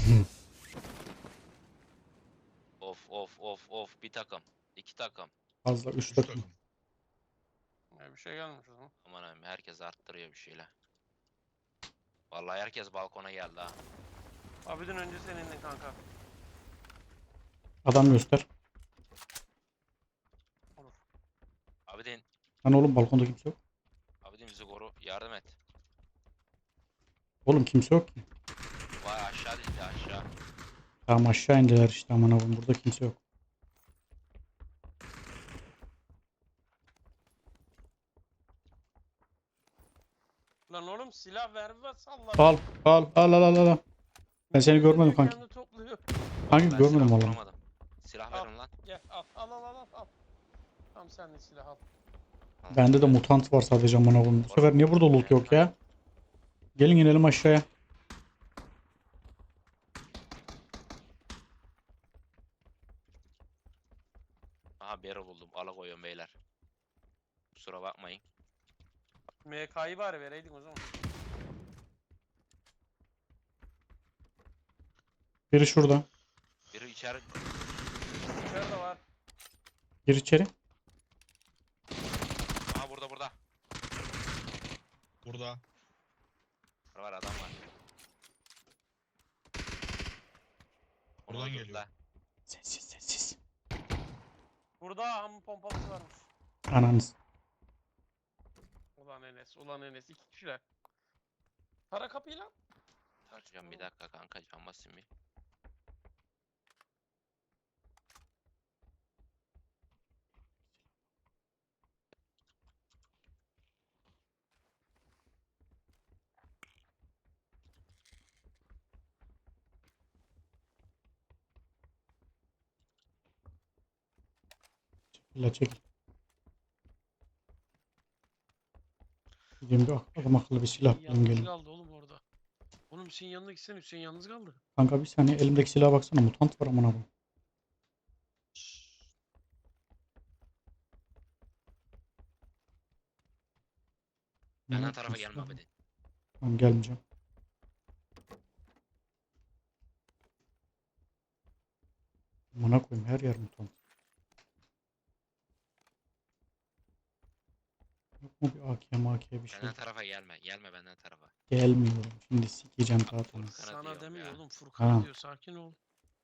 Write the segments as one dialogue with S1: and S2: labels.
S1: Of bir takım. İki takım.
S2: Fazla 3
S3: 3
S2: takım.
S3: takım.
S4: Bir şey gelmiş o zaman.
S1: Aman abim herkes arttırıyor bir şeyler. Vallahi herkes balkona geldi ha.
S4: Abidin önce sen indin kanka.
S2: Adam göster.
S4: Olur.
S1: Abidin,
S2: Lan oğlum balkonda kimse yok.
S1: Abidin bizi koru. Yardım et.
S2: Oğlum kimse yok ki.
S1: Vay aşağı değil ya aşağı.
S2: Tamam aşağı indiler işte aman abim. Burada kimse yok.
S4: Lan oğlum silah ver ve salla.
S2: Al. Ben seni görmedim
S4: Diyor,
S2: kanki.
S4: kendi topluyor.
S2: Kanki
S1: Ben
S2: görmedim
S1: silah
S2: vallahi.
S1: bulamadım. Silah
S4: Al.
S1: verin lan.
S4: Gel al. Tamam sen de silah al.
S2: Bende de mutant var sadece aman abim. Bu sefer niye burada loot yok ya? Gelin inelim aşağıya.
S1: Aha barrel buldum. Alakoyuyorum beyler. Kusura bakmayın.
S4: MK'yı bari vereydin o zaman.
S2: Biri şurada.
S1: Biri içeri.
S4: İçeride var.
S2: Gir içeri.
S1: Aha burada.
S3: Burada.
S1: Var adam var. Onu
S3: Buradan
S1: öldürdü
S3: geliyor.
S1: la.
S2: Sessiz.
S4: Burada hamı pompalısı varmış.
S2: Ananız.
S4: Ulan Enes. İki kişiler. Para kapıyı lan.
S1: Tartacağım bir dakika kanka can basayım bir.
S2: İlla çekil. Gideyim bir adam akıllı bir silah bulayım
S4: Yalnız
S2: gelin.
S4: kaldı oğlum orada. Oğlum Hüseyin yanına gitsen Hüseyin yalnız kaldı.
S2: Kanka bir saniye elimdeki silaha baksana mutant var aman abim.
S1: Benden tarafa gelme Abidin.
S2: Tamam gelmeyeceğim. Amına koyayım her yer mutant. Yok mu bir AK bir şey?
S1: Benden tarafa gelme. Gelme benden tarafa.
S2: Gelmiyorum. Şimdi sikeceğim rahat onu.
S1: Furkan'a
S4: Sana
S1: diyorum
S4: demiyor
S1: ya.
S4: oğlum Furkan
S2: Ha.
S4: diyor sakin ol.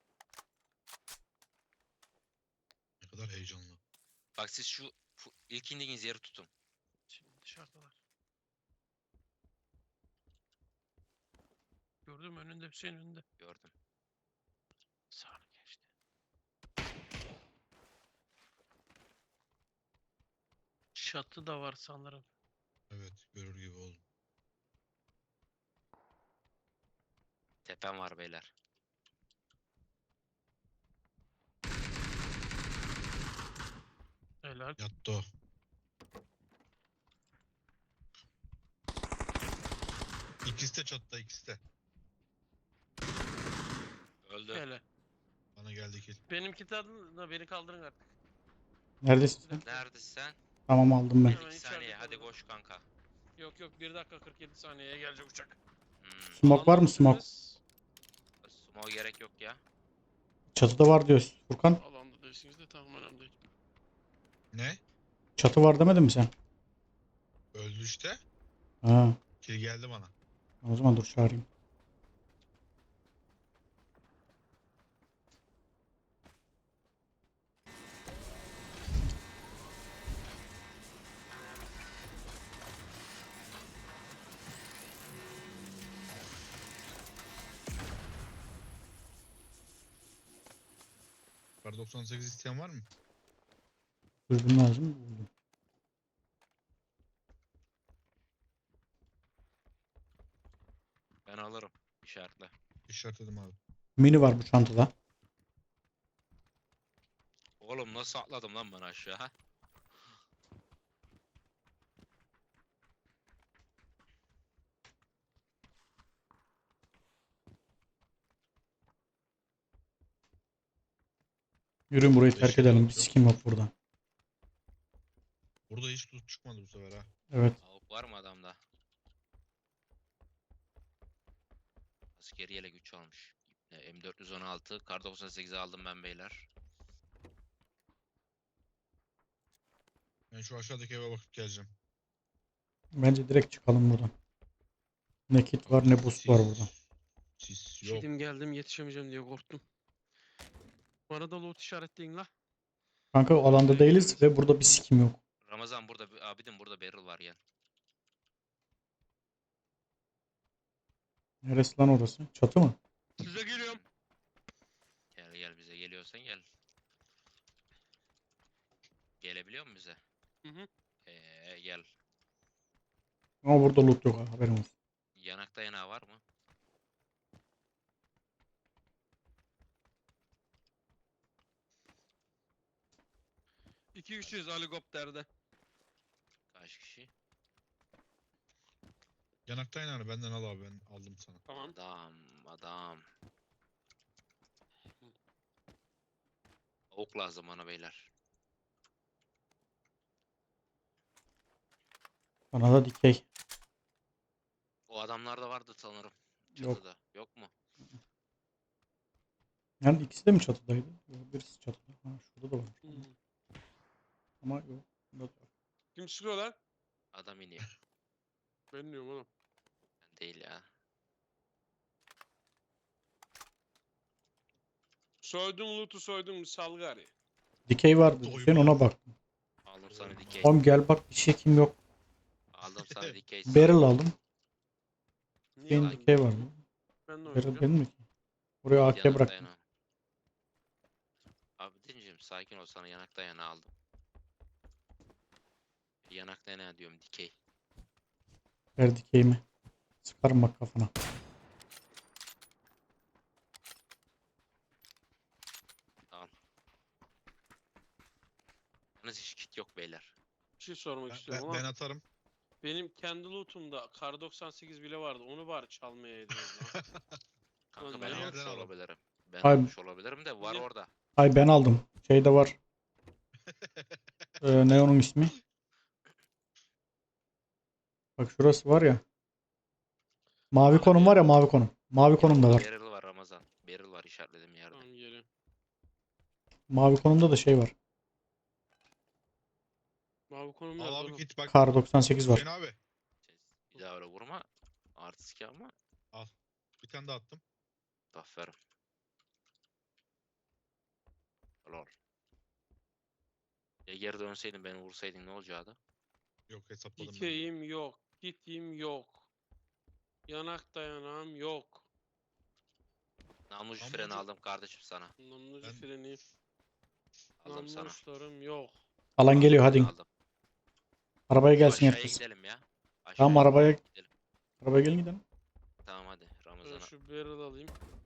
S3: Ne kadar heyecanlı.
S1: Bak siz şu ilk indiğiniz yeri tutun.
S4: Şimdi dışarıdalar. Gördün mü önünde Hüseyin önünde.
S1: Gördüm.
S4: Sağına geçti. Çatı da var sanırım.
S3: Evet, görür gibi oldum.
S1: Tepem var beyler.
S4: Helal.
S3: Yattı o. İkisi de çatıda, ikisi de.
S1: Öldü.
S4: Helal.
S3: Bana geldi kill.
S4: Benimki tadında beni kaldırın artık.
S2: Neredesin sen?
S1: Neredesin sen?
S2: Tamam aldım ben.
S4: Hemen
S1: 2
S4: içeride
S1: saniye hadi
S4: kalırım.
S1: koş kanka.
S4: Yok 1 dakika 47 saniyeye gelecek uçak.
S2: Smoke var mı smoke?
S4: Alandasınız.
S1: Smoke gerek yok ya.
S2: Çatıda var diyor Furkan.
S4: Alanda değilsiniz de tamam önemli değil.
S3: Ne?
S2: Çatı var demedin mi sen?
S3: Öldü işte.
S2: Ha.
S3: Kill geldi bana.
S2: O zaman dur çağırayım.
S3: Kar 98 isteyen var mı?
S2: Dürbün lazım mı? Buldum.
S1: Ben alırım. İşaretle.
S3: İşaretledim abi.
S2: Mini var bu çantada.
S1: Oğlum nasıl atladım lan ben aşağı?
S2: Yürüyün burayı terk
S3: Yeşil
S2: edelim.
S3: yok,
S2: Bir
S3: yok.
S2: sikim yok burada.
S3: Burada hiç loot çıkmadı bu sefer ha.
S2: Evet.
S1: Avuk var mı adamda? Askeriyle güç almış. M416 kar 98'i aldım ben beyler.
S3: Ben şu aşağıdaki eve bakıp geleceğim.
S2: Bence direkt çıkalım buradan. Ne kit var ne boost var burada.
S3: Sis yok.
S4: Kedim geldim yetişemeyeceğim diye korktum. Bana da loot işaretleyin la.
S2: Kanka alanda değiliz ve burada bir sikim yok.
S1: Ramazan burada abidin burada barrel var gel.
S2: Neresi lan orası? Çatı mı?
S4: Size geliyorum.
S1: Gel gel bize geliyorsan gel. Gelebiliyor musun bize?
S4: Hı hı.
S1: Gel.
S2: Ama burada loot yok ha, haberin olsun.
S1: Yanak dayanağı var mı?
S4: İki kişiyiz helikopterde.
S1: Kaç kişi?
S3: Yanaktan yani benden al abi, ben aldım sana.
S4: Tamam.
S1: Adam. Ok lazım bana beyler.
S2: Bana da dikey.
S1: O adamlar da vardı sanırım.
S2: Yok.
S1: Çatıda. Yok mu?
S2: Yani ikisi de mi çatıdaydı? Yok, birisi çatıda. Ha, şurada da var.
S4: Hmm.
S2: Ama yok. Burada da var.
S4: Kim sıkıyor lan?
S1: Adam iniyor.
S4: Ben diyorum oğlum.
S1: Ben değil ya.
S4: Soydum loot'u soydum salgari.
S2: Dikey vardı.
S3: Doyma.
S2: Sen ona bak.
S1: Aldım sana dikey.
S2: Oğlum gel bak bir şey kim yok.
S1: Aldım sana dikey.
S2: Barrel aldım.
S4: Niye
S2: Benim
S4: aldın?
S2: dikey var.
S4: Ben de
S2: Barrel
S4: oynayacağım.
S2: benim mi ki? Buraya AK
S1: Yanak
S2: bıraktım.
S1: dayanağı. Abi dincim sakin ol, sana yanak dayanağı aldım. Yanak dayanağı diyorum, dikey.
S2: Ver dikeyimi. Sıkarım bak kafana.
S1: Al. Yalnız hiç kit yok beyler.
S4: Bir şey sormak
S3: Ben,
S4: istiyorum
S3: ben,
S4: ama
S3: ben atarım.
S4: benim kendi loot'umda kar 98 bile vardı. Onu bari çalmayaydınız lan.
S1: Kanka
S4: Lan
S1: ben
S4: ne
S1: almış
S3: yerden alalım?
S1: olabilirim. Ben
S2: Ay-
S1: almış olabilirim de var
S4: Niye?
S1: orada.
S2: Ay ben aldım. Şey de var. Ne onun ismi? Bak şurası var ya. Mavi
S1: Abi.
S2: konum var ya, mavi konum. Mavi konum da
S1: Burada
S2: var.
S1: barrel var Ramazan. Barrel var işaretlediğim yerde.
S4: Tamam geliyorum.
S2: Mavi konumda da şey var.
S4: Mavi konum
S3: Al
S4: nerede
S3: abi
S4: oğlum?
S3: git bak.
S2: Kar 98 var.
S3: Hüseyin abi.
S1: Bir daha öyle vurma. Artist ama.
S3: Bir tane daha attım.
S1: Aferin. Lol. Ya geri dönseydin beni vursaydın ne olacaktı?
S3: Yok, hesapladım ben.
S4: Dikeyim yok. Gittiğim yok. Yanak dayanağım yok.
S1: Namlucu
S3: Namlucu-
S1: freni aldım kardeşim sana.
S4: Namlucu
S3: Ben-
S4: freni.
S1: Aldım sana.
S4: Namluçlarım yok.
S2: Alan geliyor hadi.
S1: Aldım.
S2: Arabaya
S1: Şu
S2: gelsin
S1: aşağıya
S2: herkes.
S1: gidelim ya.
S2: Tamam,
S1: Aşağıya
S2: arabaya
S1: gidelim.
S2: arabaya gelin gidelim.
S1: Tamam hadi
S4: Ben
S1: Ramazan'a.
S4: şu barrel alayım.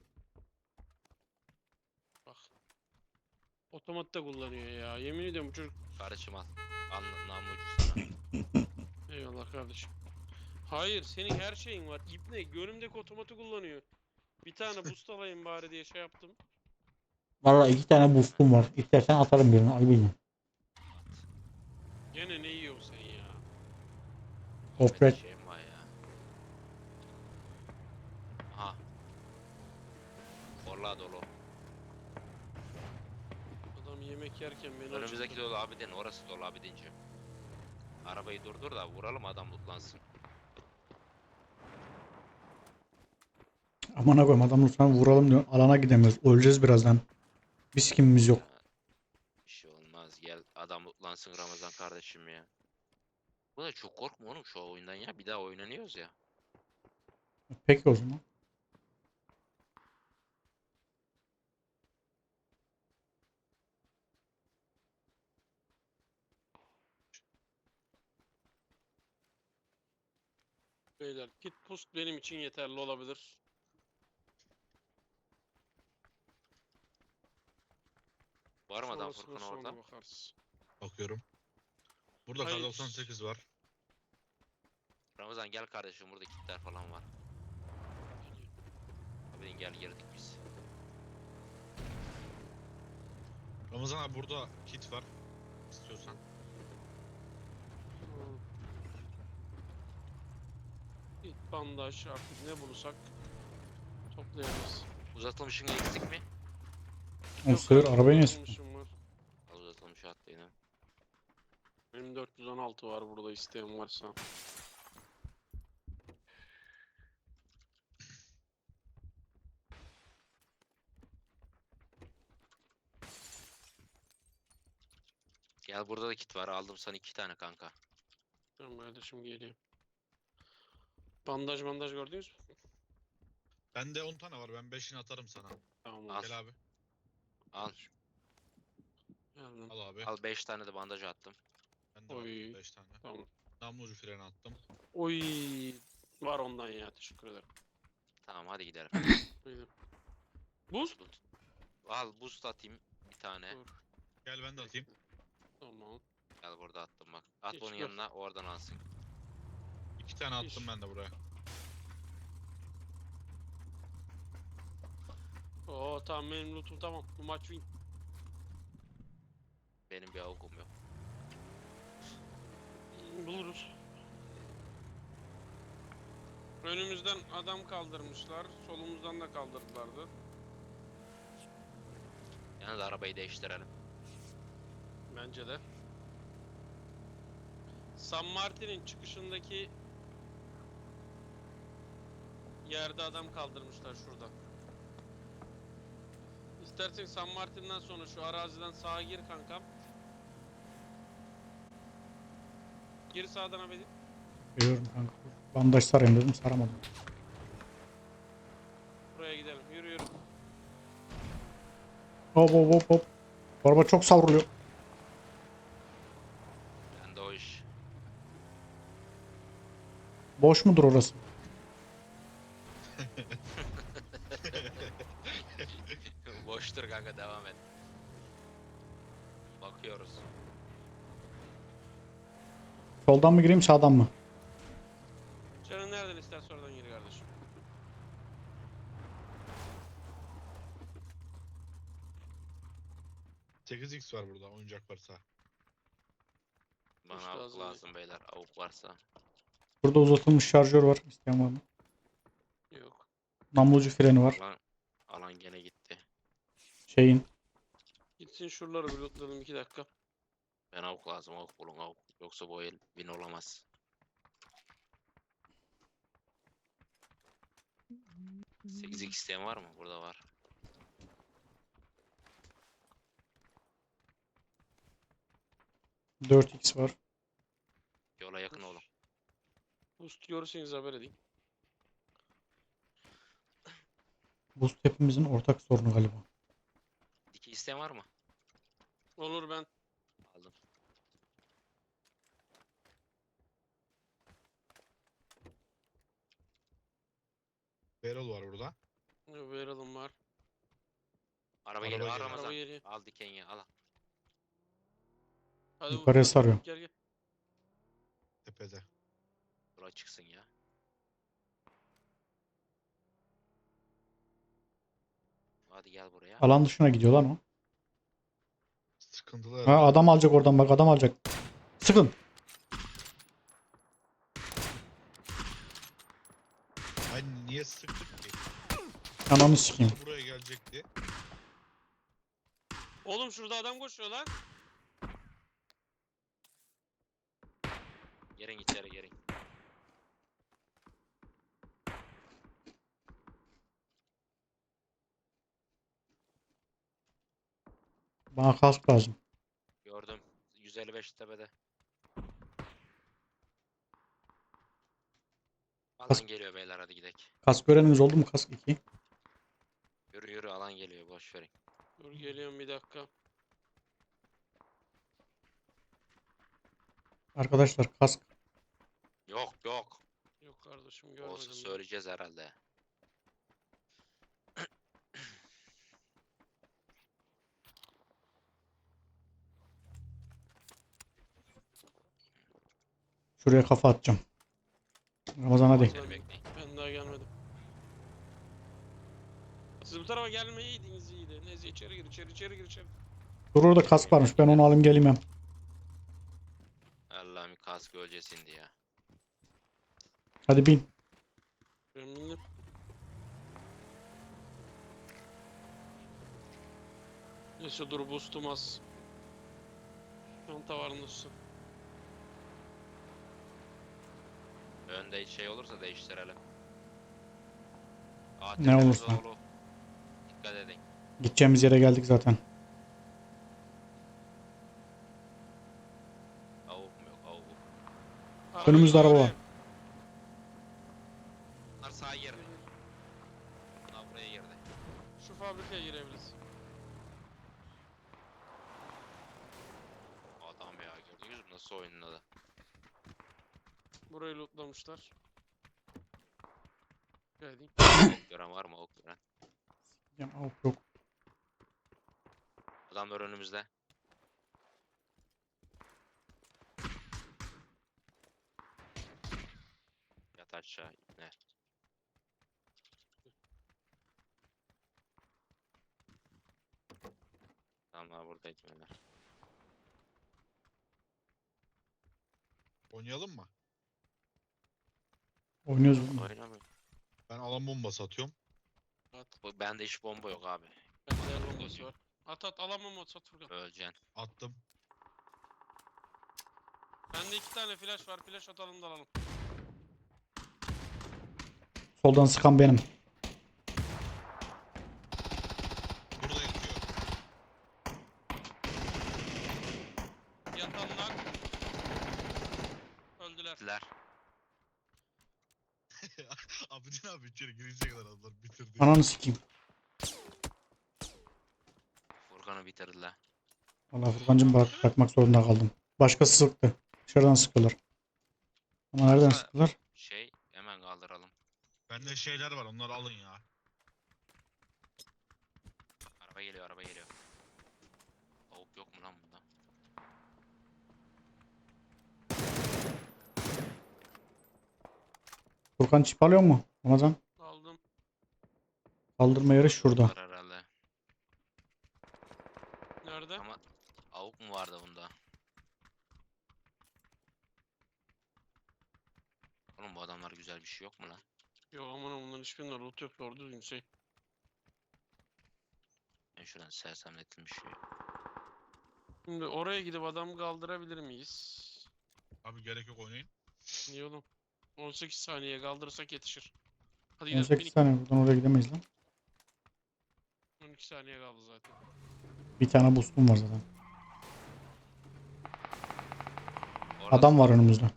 S4: Bak. Otomat da kullanıyor ya. Yemin ediyorum bu çocuk.
S1: Kardeşim al. Al namlucu sana.
S4: Eyvallah kardeşim. Hayır senin her şeyin var. İbne önümdeki otomatı kullanıyor. Bir tane boost alayım bari diye şey yaptım.
S2: Valla 2 tane boostum var. İstersen atarım birini. Ay bilmiyorum.
S4: Gene ne yiyorsun sen ya?
S2: Offred.
S1: Bir şeyim var ya. Aha. Orla dolu.
S4: Adam yemek yerken beni
S1: Önümüzdeki
S4: acıktı.
S1: dolu abidin. Orası dolu abidince. Arabayı durdur da vuralım, adam mutlansın.
S2: Aman koyayım, adamı sana vuralım diyor. Alana gidemiyoruz. Öleceğiz birazdan. Bir sikimimiz yok.
S1: Bir şey olmaz. Gel adam mutlansın Ramazan kardeşim ya. Bu da çok korkma oğlum şu oyundan ya. Bir daha oynanıyoruz ya.
S2: Peki o zaman.
S4: Beyler kit boost benim için yeterli olabilir.
S1: Var mı adam
S4: Sonrasına
S1: Furkan
S4: sonra
S1: orada?
S4: bakarız.
S3: Bakıyorum. Burada kar
S4: Hayır.
S3: 98 var.
S1: Ramazan gel kardeşim, burada kitler falan var. Abidin gel, girdik biz.
S3: Ramazan abi burada kit var. İstiyorsan.
S4: Hmm. Kit bandaj artık ne bulursak toplayabiliriz.
S1: Uzatılmışın eksik mi?
S2: O
S4: Yok
S2: sefer
S4: kardeşim,
S2: arabaya ne sıktın?
S4: uzatılmışım var.
S1: Al uzatılmışı attı yine.
S4: Benim 416 var burada, isteyen varsa.
S1: Gel burada da kit var. Aldım sana 2 tane kanka.
S4: Tamam kardeşim, geliyor. Bandaj gördünüz mü?
S3: Bende 10 tane var. Ben 5'ini atarım sana.
S4: Tamam
S1: Al.
S4: oldu.
S3: Gel abi.
S1: Al.
S4: Geldim.
S3: Al abi.
S1: Al 5 tane de bandaj attım.
S3: Bende
S4: Oy.
S3: var 5 tane.
S4: Tamam.
S3: Namlucu freni attım.
S4: Oy. Var ondan ya, teşekkür ederim.
S1: Tamam hadi gidelim.
S4: Buyurun. Buz?
S1: Al boost atayım bir tane.
S4: Dur.
S3: Gel ben de atayım.
S4: Tamam.
S1: Gel burada attım bak. At
S4: Hiç
S1: onun
S4: yok.
S1: yanına oradan alsın.
S3: 2 tane attım
S4: İş.
S3: ben de buraya.
S4: Oo tamam, benim lootum tamam. Bu maç win.
S1: Benim bir avukum yok.
S4: Buluruz. Önümüzden adam kaldırmışlar. Solumuzdan da kaldırdılardı.
S1: Yalnız arabayı değiştirelim.
S4: Bence de. San Martin'in çıkışındaki yerde adam kaldırmışlar şurada. İstersen San Martin'den sonra şu araziden sağa gir kankam. Gir sağdan abi.
S2: Biliyorum kanka. Bandaj sarayım dedim, saramadım.
S4: Buraya gidelim. Yürü yürü.
S2: Hop hop hop hop. Bu araba çok savruluyor.
S1: Ben de o iş.
S2: Boş mudur orası?
S1: Boştur kanka, devam et. Bakıyoruz.
S2: Soldan mı gireyim, sağdan mı?
S4: Canın nereden isterse oradan gir kardeşim.
S3: Sekiz x var burada. Oyuncak varsa.
S1: Bana
S4: Hiç
S1: avuk
S4: lazım
S1: lazım beyler. Avuk varsa.
S2: Burada uzatılmış şarjör var. İsteyen var mı?
S4: Yok.
S2: Namlucu freni var.
S1: Alan gene gitti.
S2: Şeyin.
S4: Gitsin şuraları bir lootlayalım 2 dakika.
S1: Ben avuk lazım. Avuk bulun avuk. Yoksa bu el win olamaz. Sekiz x isteyen var mı? Burada var.
S2: Dört x var.
S1: Yola yakın olun.
S4: Boost görürseniz haber edin.
S2: Boost hepimizin ortak sorunu galiba.
S1: Diki isteyen var mı?
S4: Olur, ben.
S1: Aldım.
S3: Barrel var burada.
S4: Verelim var.
S1: Araba
S3: Araba
S1: geliyor.
S3: geliyor.
S1: Al Ramazan.
S4: Araba geliyor.
S1: Al dikeni al.
S4: Hadi
S2: Yukarıya
S4: Usta,
S2: sarıyor.
S4: Gel gel.
S3: Tepede.
S1: Buraya çıksın ya. Hadi gel buraya.
S2: Alan dışına gidiyor lan o.
S3: Sıkıntılı
S2: Ha,
S3: herhalde.
S2: adam alacak oradan, bak adam alacak. Sıkın.
S3: Ay niye sıktık ki?
S2: Ananı sikeyim.
S3: Buraya gelecekti.
S4: Oğlum şurada adam koşuyor lan.
S1: Gelin içeri gelin.
S2: Bana kask lazım.
S1: Gördüm. 155 tepede. Alan
S2: Kas-
S1: geliyor beyler, hadi gidelim.
S2: Kask göreniniz oldu mu, kask 2?
S1: Yürü yürü, alan geliyor, boş verin.
S4: Dur geliyorum bir dakika.
S2: Arkadaşlar kask.
S1: Yok yok.
S4: Yok kardeşim, görmedim.
S1: Olsa
S4: ben.
S1: söyleyeceğiz herhalde.
S2: Şuraya kafa atacağım. Ramazan hadi.
S1: Seni bekleyin.
S4: Ben daha gelmedim. Siz bu tarafa gelmeyiydiniz iyiydi. Neyse, içeri gir, içeri gir.
S2: Dur, orada kask varmış, ben onu alayım geleyim hem.
S1: Allah'ım, kask ölcesindi ya.
S2: Hadi bin.
S4: Ben bindim. Neyse dur boostum az. Çanta var nasıl?
S1: Önde şey olursa değiştirelim.
S2: Ne olursa.
S1: Dolu. Dikkat edin.
S2: Gideceğimiz yere geldik zaten.
S1: Avuk mu yok avuk.
S2: Önümüzde araba var.
S4: arayayım.
S1: Bunlar sağa girdi. Bunlar buraya girdi.
S4: Şu fabrikaya girebiliriz.
S1: Adam ya gördünüz mü nasıl oynadı?
S4: Burayı lootlamışlar. Geldik.
S1: Ok gören var mı ok gören?
S2: Ya, yok yok.
S1: Adamlar önümüzde. Yat aşağı ne? Adamlar buradaydı beyler.
S3: Oynayalım mı?
S2: Oynuyoruz.
S1: Oynamıyor.
S3: Ben alan bombası atıyorum.
S4: At.
S1: Bende hiç bomba yok abi.
S4: Bende el bombası var. At alamam at Furkan.
S1: Öleceksin.
S3: Attım.
S4: Bende 2 tane flash var. Flash atalım da alalım.
S2: Soldan sıkan benim.
S3: Burada yatıyor.
S4: Yatanlar. Öldüler.
S1: Diler.
S3: Abidin abi içeri girecek kadar adamlar bitirdi.
S2: Ananı sikeyim.
S1: Furkan'ı bitirdiler.
S2: Valla Furkancığım bırakmak zorunda kaldım. Başkası sıktı. Dışarıdan sıkıyorlar. Ama nereden
S1: Varsa-
S2: sıktılar?
S1: Şey hemen kaldıralım.
S3: Bende şeyler var onları alın ya.
S1: Araba geliyor araba geliyor. Avuk yok mu lan bunda?
S2: Furkan çip alıyor mu? Ramazan.
S4: Aldım.
S2: Kaldırma yeri şurada.
S1: Var herhalde.
S4: Nerede?
S1: Ama avuk mu vardı bunda? Oğlum bu adamlar güzel bir şey yok mu lan?
S4: Yok aman bunların hiçbirinde loot yok. Doğru düzgün şey.
S1: Ben şuradan sersemletilmiş şey.
S4: Şimdi oraya gidip adam kaldırabilir miyiz?
S3: Abi gerek yok oynayın.
S4: Niye oğlum? 18 saniye kaldırırsak yetişir. Hadi gidelim.
S2: 18 saniye buradan oraya gidemeyiz lan.
S4: 12 saniye kaldı zaten.
S2: Bir tane boostum var zaten.
S1: Orada
S2: Adam var önümüzde.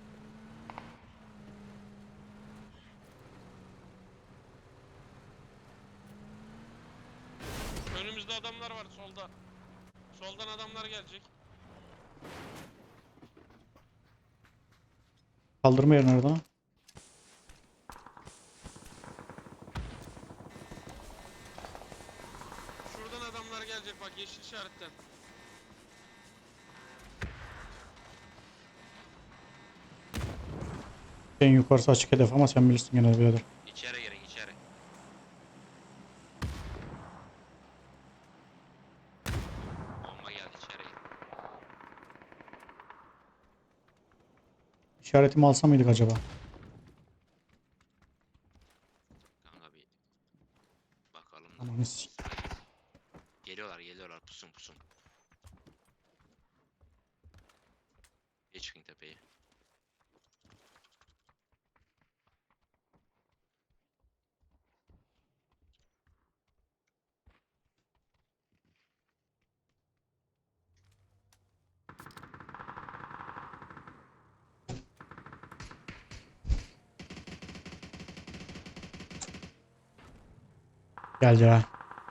S4: Önümüzde adamlar var solda. Soldan adamlar gelecek.
S2: Kaldırma yeri nerede lan?
S4: Şuradan adamlar gelecek bak yeşil işaretten.
S2: En yukarısı açık hedef ama sen bilirsin gene birader.
S1: içeri girin içeri. Bomba geldi içeri girin.
S2: İşaretimi alsa mıydık acaba?
S1: Kanka bir bakalım da.
S2: Ananı sik.
S1: Geliyorlar pusun pusun. Bir çıkın tepeye.
S2: Geldi ha.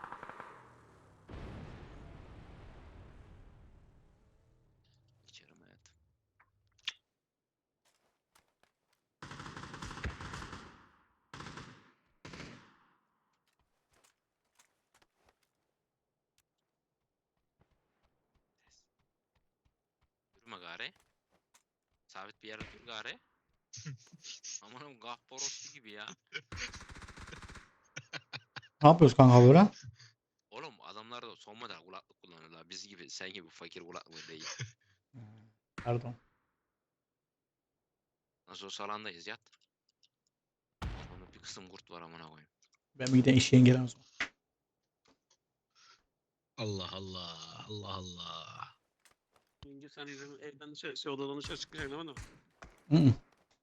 S1: İçerim hayatım. Durma gari. Sabit bir yerde dur gari. Amanım gahporosu gibi ya.
S2: Ne yapıyoruz kanka böyle?
S1: Oğlum adamlar da son model kulaklık kullanıyorlar. Biz gibi sen gibi fakir kulaklığı değil.
S2: Pardon.
S1: Nasıl olsa alandayız yat. Onun bir kısım kurt var amına koyayım.
S2: Ben bir de eşeğin gelen o zaman.
S3: Allah Allah. Allah Allah.
S4: Yenge sen evden dışarı, odadan dışarı çıkacaksın değil mi?
S2: Hı hı.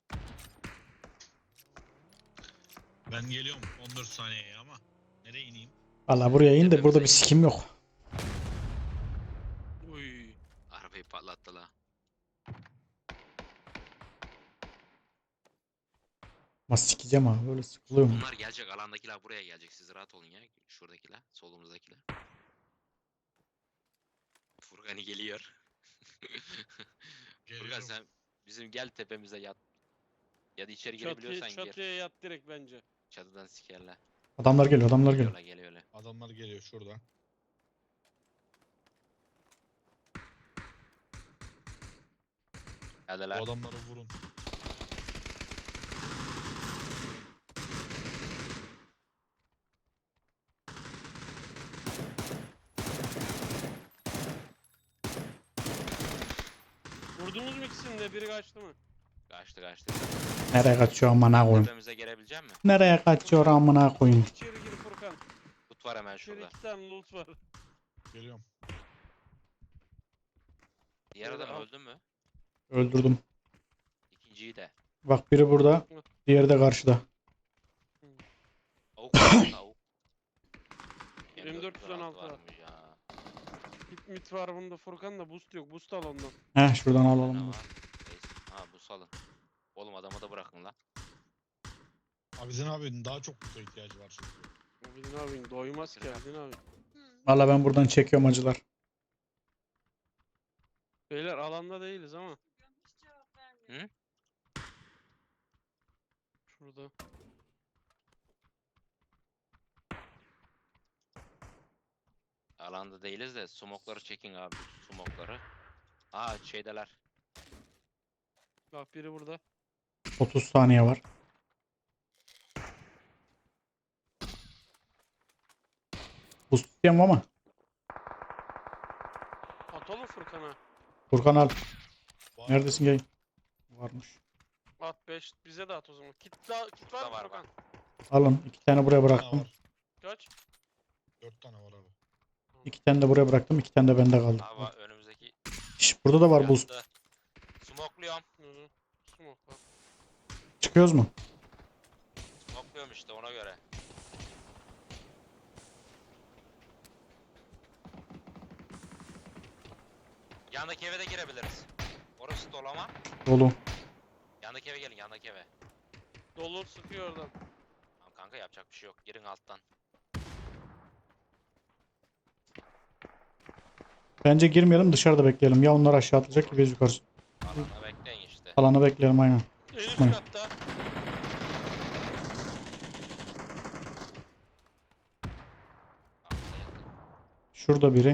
S3: Ben geliyorum 14 saniyeye ama. Nereye ineyim?
S2: Valla buraya in de burada bir sikim yok.
S4: Uy.
S1: Arabayı patlattı la.
S2: Ama sikeceğim abi böyle sıkılıyorum.
S1: Onlar gelecek, alandakiler buraya gelecek. Siz rahat olun ya. Şuradakiler, solumuzdakiler. Furkan'ı geliyor. Furkan
S3: Geliyorum.
S1: sen bizim gel tepemize yat. Ya da içeri girebiliyorsan gir.
S4: Çatıya yat direkt bence.
S1: Çatıdan sikerler.
S2: Adamlar geliyor, adamlar geliyor.
S1: Geliyorlar.
S3: Adamlar geliyor şuradan. Bu
S1: Geldiler.
S3: adamları vurun.
S4: Vurdunuz mu ikisini de? Biri kaçtı mı?
S1: Kaçtı.
S2: Nereye kaçıyor amına koyayım?
S1: Tepemize gelebilecek mi?
S2: Nereye kaçıyor amına koyayım?
S4: İçeri gir Furkan.
S1: Tut var hemen
S4: İçeri
S1: şurada.
S4: 2 tane loot var.
S3: Geliyorum.
S1: Diğer
S4: Şöyle
S1: adam
S4: al.
S1: öldü mü?
S2: Öldürdüm.
S1: İkinciyi de.
S2: Bak biri burada, diğeri de karşıda.
S1: Avuk var, avuk.
S4: M416 var.
S1: varmış ya.
S4: Mit var bunda Furkan da boost yok. Boost al ondan.
S2: Heh şuradan
S1: Ne
S2: alalım.
S1: var?
S2: dur.
S1: Neyse. Ha bu salın. Oğlum adamı da bırakın la.
S3: Abidin abinin daha çok kutu ihtiyacı var çünkü.
S4: Abidin abin doymaz ki Abidin abi.
S2: Valla ben buradan çekiyorum acılar.
S4: Beyler alanda değiliz ama.
S1: Hı?
S4: Şurada.
S1: Alanda değiliz de smokları çekin abi. Smokları. Aa şeydeler.
S4: Bak biri burada.
S2: 30 saniye var. Bu tutacağım ama.
S4: Atalım Furkan'a.
S2: Furkan al.
S3: Var.
S2: Neredesin gel? Varmış.
S4: At 5 bize de at o zaman. Kit var
S1: Burada
S4: mı
S1: var,
S4: Furkan?
S2: Alın. 2 tane buraya
S3: 4 tane
S2: bıraktım.
S3: var.
S4: Kaç?
S3: 4 tane var abi.
S2: 2 tane de buraya bıraktım. 2 tane de bende kaldı.
S1: Abi önümüzdeki
S2: Şş, burada da var boost.
S1: yattı. Smokluyorum.
S4: Hı hı. Smoke var.
S2: Çıkıyoruz mu?
S1: Smokluyorum işte ona göre. Yandaki eve de girebiliriz. Orası dolu ama.
S2: Dolu.
S1: Yandaki eve gelin, yandaki eve.
S4: Dolu sıkıyor oradan.
S1: Tamam kanka yapacak bir şey yok. Girin alttan.
S2: Bence girmeyelim dışarıda bekleyelim. Ya onlar aşağı atlayacak ya biz yukarı.
S1: Alana bekleyin işte.
S2: Alanı bekleyelim aynen.
S4: En üst
S2: Çıkmayın.
S4: katta.
S1: Alana yakın.
S2: Şurada biri.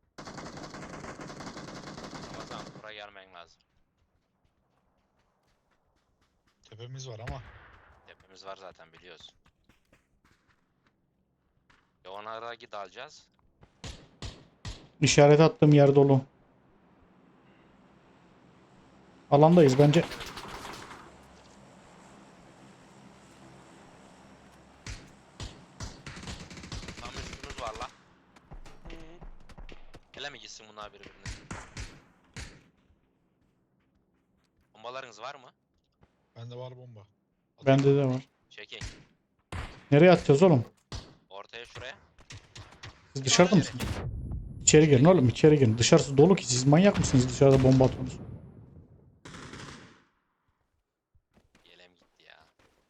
S1: Ramazan buraya gelmen lazım.
S3: Tepemiz var ama.
S1: Tepemiz var zaten biliyoruz. Ya onlara git alacağız.
S2: İşaret attığım yer dolu. Alandayız bence.
S1: Tam üstümüz var la.
S4: Hı hı.
S1: Ele mi gitsin bunlar birbirine? Bombalarınız var mı?
S3: Bende var bomba.
S2: Bende de var.
S1: Çekin.
S2: Nereye atacağız oğlum?
S1: Ortaya şuraya.
S2: Siz dışarıda mısınız? İçeri girin oğlum içeri girin. Dışarısı dolu ki siz manyak mısınız dışarıda bomba atıyorsunuz?
S1: Yelem gitti ya.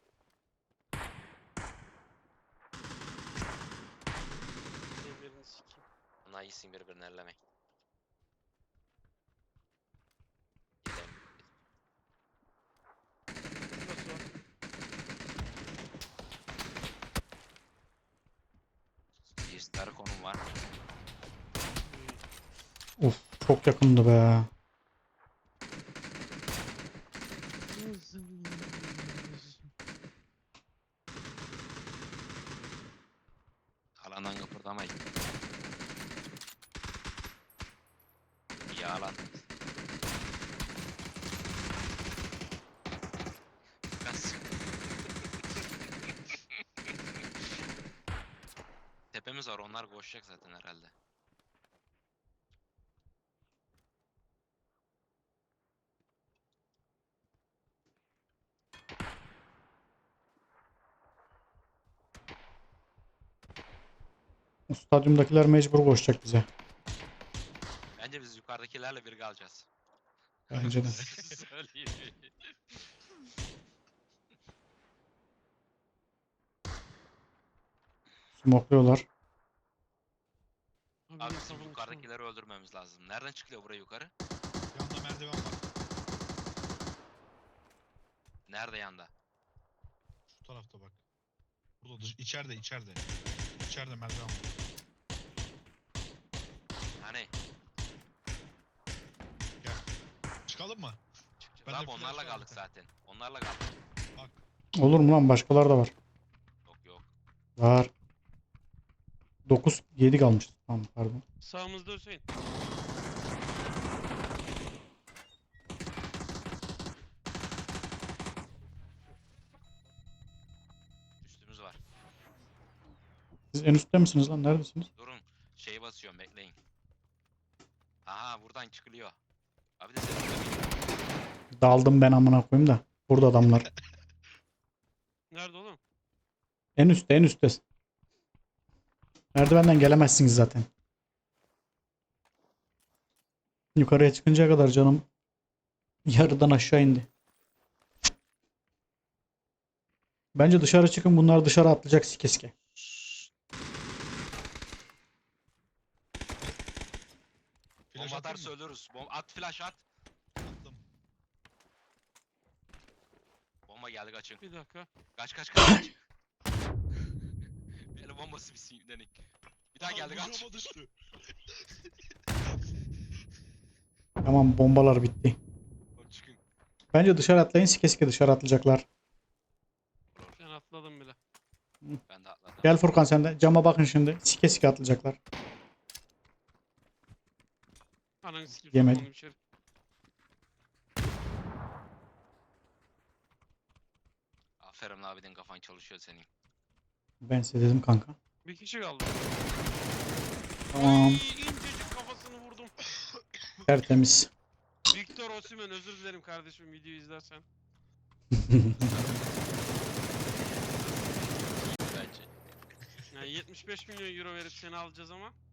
S4: Birbirini sikeyim.
S1: Bunlar iyisin birbirini ellemeyin. Yelem gitti.
S4: Burası var.
S1: Bir star konum var.
S4: Uy.
S2: Uf çok yakındı be.
S1: Alandan kıpırdamayın. İyi alan. Kas. Tepemiz var, onlar koşacak zaten herhalde.
S2: O stadyumdakiler mecbur koşacak bize.
S1: Bence biz yukarıdakilerle bir kalacağız.
S2: Bence de.
S1: Söyleyeyim.
S2: Smokluyorlar.
S1: Abi
S4: benim
S1: bizim
S4: kafam
S1: yukarıdakileri öldürmemiz lazım. Nereden çıkıyor buraya yukarı?
S3: Yanında merdiven var.
S1: Nerede yanda?
S3: Şu tarafta bak. Burada içeride. İçeride merdiven var.
S1: Hani?
S3: Çıkalım mı?
S1: Çıkacağız.
S3: Bende
S1: Abi
S3: flash
S1: onlarla
S3: var
S1: kaldık
S3: bir tane.
S1: zaten. Onlarla kaldık.
S3: Bak.
S2: Olur mu lan? Başkalar da var.
S1: Yok.
S2: Var. 9, 7 kalmış. Tamam pardon.
S4: Sağımızda Hüseyin.
S1: Üstümüz var.
S2: Siz en üstte misiniz lan? Neredesiniz?
S1: Durun. Şeyi basıyorum bekleyin. Aha buradan çıkılıyor. Abi de sen
S2: Daldım ben amına koyayım da. Burada adamlar.
S4: Nerede oğlum?
S2: En üstte. Merdivenden gelemezsiniz zaten. Yukarıya çıkıncaya kadar canım yarıdan aşağı indi. Bence dışarı çıkın, bunlar dışarı atlayacak sike.
S3: Flash
S1: bomba
S3: atayım
S1: atarsa
S3: mı?
S1: ölürüz. At flash at.
S3: Attım.
S1: Bomba geldi kaçın.
S4: Bir dakika.
S1: Kaç. El bombası bir sinirlenik. Bir daha geldi kaç.
S3: Bucağıma düştü.
S2: Tamam, bombalar bitti.
S1: Oğlum çıkın.
S2: Bence dışarı atlayın, sike dışarı atlayacaklar.
S4: Ben atladım bile.
S1: Ben de atladım.
S2: Gel Furkan sen de cama bakın şimdi. Sike atlayacaklar.
S4: Ananı sikeyim.
S2: Yemedim.
S4: sokmadım içeri.
S1: Aferin abiden kafan çalışıyor senin.
S2: Ben size dedim kanka.
S4: Bir kişi kaldı.
S2: Tamam,
S4: Ay, incecik kafasını vurdum.
S2: tertemiz.
S4: Victor Osimhen, özür dilerim kardeşim videoyu izlersen.
S1: Bence.
S4: Yani 75 milyon euro verip seni alacağız ama